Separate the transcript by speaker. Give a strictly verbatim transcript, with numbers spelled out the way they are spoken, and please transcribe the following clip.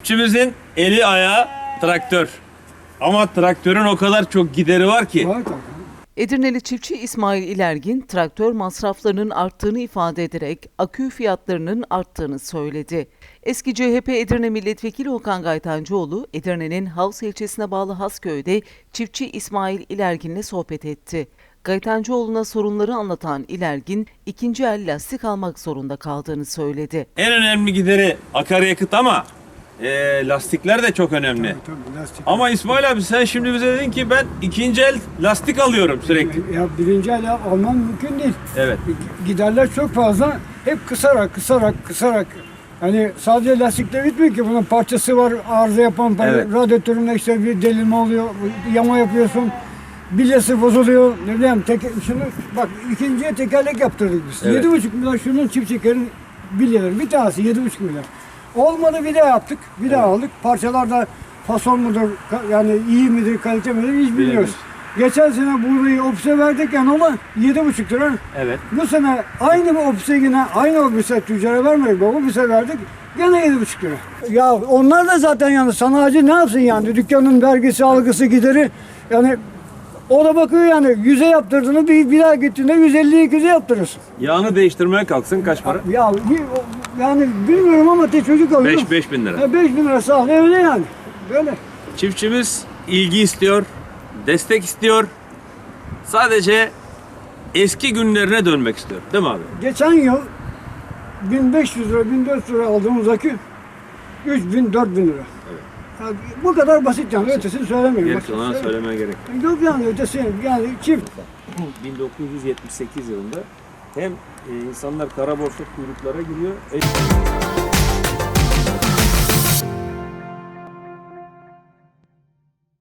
Speaker 1: Çiftçimizin eli ayağı traktör. Ama traktörün o kadar çok gideri var ki.
Speaker 2: Var tabii.
Speaker 3: Edirneli çiftçi İsmail İlergin, traktör masraflarının arttığını ifade ederek akü fiyatlarının arttığını söyledi. Eski C H P Edirne Milletvekili Okan Gaytancıoğlu, Edirne'nin Havs ilçesine bağlı Hasköy'de çiftçi İsmail İlergin'le sohbet etti. Gaytancıoğlu'na sorunları anlatan İlergin, ikinci el lastik almak zorunda kaldığını söyledi.
Speaker 1: En önemli gideri akaryakıt ama e, lastikler de çok önemli.
Speaker 2: Tabii, tabii, lastik.
Speaker 1: Ama İsmail abi sen şimdi bize dedin ki ben ikinci el lastik alıyorum sürekli.
Speaker 2: Ya birinci el alman mümkün değil.
Speaker 1: Evet.
Speaker 2: Giderler çok fazla. Hep kısarak, kısarak, kısarak. Hani sadece lastikle bitmiyor ki. Bunun parçası var, arıza yapan,
Speaker 1: Evet.
Speaker 2: radyatöründe işte bir delinme oluyor, yama yapıyorsun. Bilyası bozuluyor. Ne bileyim, teke, şunu bak ikinciye tekerlek yaptırdık biz.
Speaker 1: Evet.
Speaker 2: Yedi buçuk milyar şunun çift çekerin bilyeleri. Bir tanesi yedi buçuk milyar. Olmadı bir daha yaptık. Bir daha aldık. Parçalar da fason mudur, ka- yani iyi midir, kalite midir hiç bilmiyoruz.
Speaker 1: Bilemiyoruz.
Speaker 2: Geçen sene burayı ofise verdik yani ama yedi buçuk lira.
Speaker 1: Evet.
Speaker 2: Bu sene aynı bu ofise yine aynı ofise tüccara vermedik. Bu ofise verdik. Gene yedi buçuk lira. Ya onlar da zaten yani sanayici ne yapsın yani dükkanın vergisi, algısı, gideri yani o da bakıyor yani yüze yaptırdığını bir, bir daha gittiğinde yüz elli iki yüze yaptırırsın.
Speaker 1: Yağını değiştirmeye kalksın kaç para?
Speaker 2: Ya bir- yani bilmiyorum ama tek çocuk alıyorum.
Speaker 1: beş beş bin lira.
Speaker 2: Ya beş bin lira sağ ol öyle yani. Böyle.
Speaker 1: Çiftçimiz ilgi istiyor, destek istiyor. Sadece eski günlerine dönmek istiyor. Değil mi abi?
Speaker 2: Geçen yıl bin beş yüz lira, bin dört yüz lira aldığımız akü üç bin, dört bin lira.
Speaker 1: Evet.
Speaker 2: Yani bu kadar basit yani ötesini söylemiyorum.
Speaker 1: Geri
Speaker 2: Başka
Speaker 1: kalanı
Speaker 2: söyle-
Speaker 1: söylemeye gerek yok.
Speaker 2: Yok yani ötesi yani çift.
Speaker 1: bin dokuz yüz yetmiş sekiz yılında hem e, insanlar kara borsa kuyruklara giriyor.